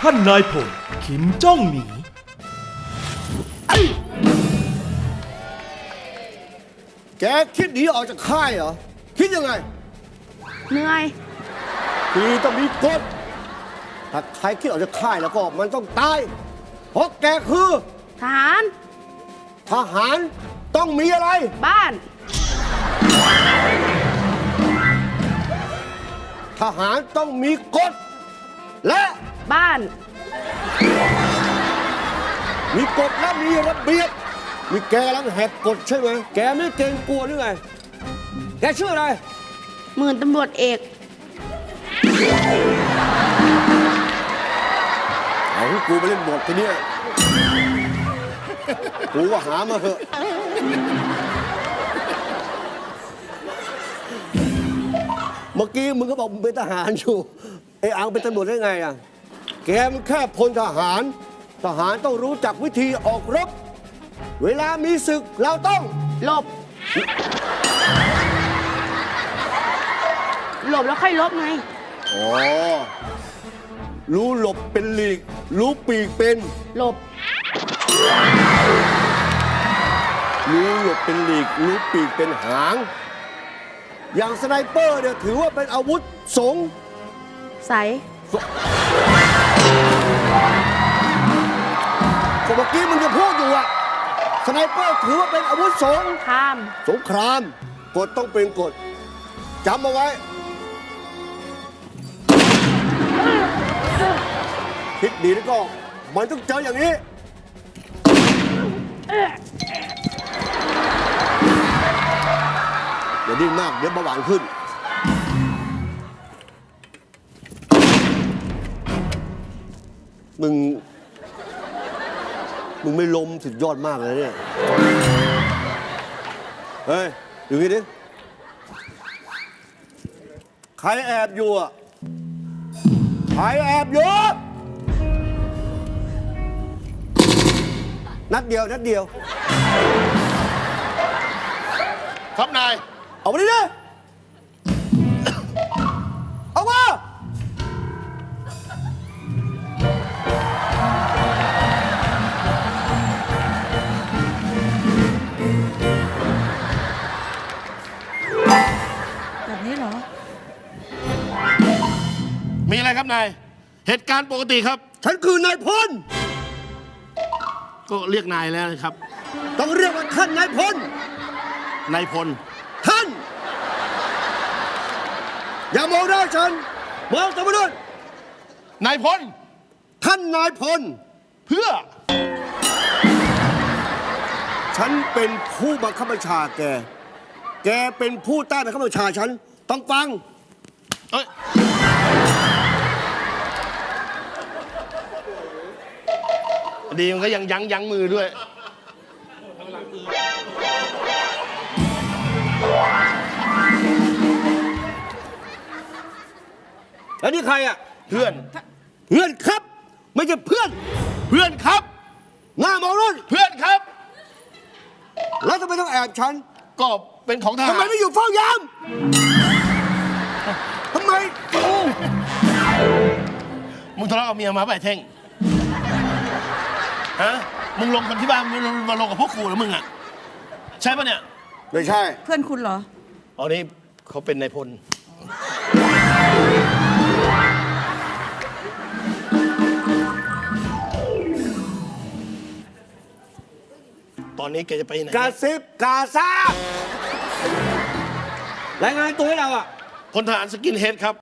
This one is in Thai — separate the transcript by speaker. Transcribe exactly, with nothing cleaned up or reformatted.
Speaker 1: ท่านนายพลขิมจ้องหนี
Speaker 2: แกคิดหนีออกจากค่ายเหรอคิดยังไง
Speaker 3: เหนื่อย
Speaker 2: คือต้องมีกฎถ้าใครคิดออกจากค่ายแล้วก็มันต้องตายเพราะแกคือ
Speaker 3: ทหาร
Speaker 2: ทหารต้องมีอะไร
Speaker 3: บ้าน
Speaker 2: ทหารต้องมีกฎและ
Speaker 3: บ้าน
Speaker 2: มีกฎและมีระเบียบมีแกกำลังแหกกฎใช่ไหมแกไม่เกรงกลัวหรือไงแกชื่ออะไร
Speaker 3: หมื่นตำรวจเอก
Speaker 2: เอากูไปเล่นบททีเนี้ยกูก็หามาเถอะเมื่อกี้มึงก็บอกมึงเป็นทหารอยู่ไอ้อังเป็นตำรวจได้ไงอ่ะแกมันแค่พลทหารทหารต้องรู้จักวิธีออกรบเวลามีศึกเราต้อง
Speaker 3: หลบหลบแล้วค่อยลบไง
Speaker 2: อ๋อรู้หลบเป็นหลีกรู้ปีกเป็น
Speaker 3: หลบ
Speaker 2: รู้หลบเป็นหลีกรู้ปีกเป็นหางอย่างสไนเปอร์เนี่ยถือว่าเป็นอาวุธสง
Speaker 3: สัย
Speaker 2: เมื่อกี้มึงจะพูดอยู่อะสไนเปอร์ถือว่าเป็นอาวุธสง
Speaker 3: คราม
Speaker 2: สงครามกฎต้องเป็นกฎจำเอาไว้คิดดีแล้วก็มันต้องเจออย่างนี้อย่าดิ้นมากเดี๋ยวเบาหวานขึ้นมึงมึงไม่ล้มสุดยอดมากเลยเนี่ยเฮ้ยอยู่นี่ดิใครแอบอยู่อ่ะใครแอบอยู่นัดเดียวนัดเดียว
Speaker 4: ครับนาย
Speaker 2: เอามาดิดิเอามา
Speaker 3: แบบนี้เหรอ
Speaker 4: มีอะไรครับนายเหตุการณ์ปกติครับ
Speaker 2: ฉันคือนายพล
Speaker 4: ก็เรียกนายแล้วนะครับ
Speaker 2: ต้องเรียกว่าท่านนายพล
Speaker 4: นายพล
Speaker 2: ท่านอย่ามองหน้าฉันมองตามมาด้วย
Speaker 4: นายพล
Speaker 2: ท่านนายพล
Speaker 4: เพื่อ
Speaker 2: ฉันเป็นผู้บังคับบัญชาแกแกเป็นผู้ใต้บังคับบัญชาฉันต้องฟัง
Speaker 4: เอ้ยดีมันก็ยังยั้งยั้งมือด้วย
Speaker 2: แล้วนี่ใครอ่ะ
Speaker 4: เพื่อน
Speaker 2: เพื่อนครับไม่ใช่เพื่อน
Speaker 4: เพื่อนครับ
Speaker 2: หน้ามองรุ่น
Speaker 4: เพื่อนครับ
Speaker 2: แล้วทำไมต้องแอบฉัน
Speaker 4: ก็เป็นของทหาร
Speaker 2: ทำไมไม่อยู่เฝ้ายามทำไม
Speaker 4: มึงทะเลาะกับเมียมาป่ะเท่งฮะมึงลงกันที่บ้านมึงมาลงกับพวกกูหรือมึงอ่ะใช่ปะเนี่ย
Speaker 2: ไม่ใช่
Speaker 3: เพื่อนคุณเหรอ
Speaker 4: อ๋อนี่เขาเป็นนายพลตอนนี้แกจะไปไหน
Speaker 2: กาซิบกาซารายงานตัวให้เราอ่ะ
Speaker 4: พลทหารสกินเฮดครับ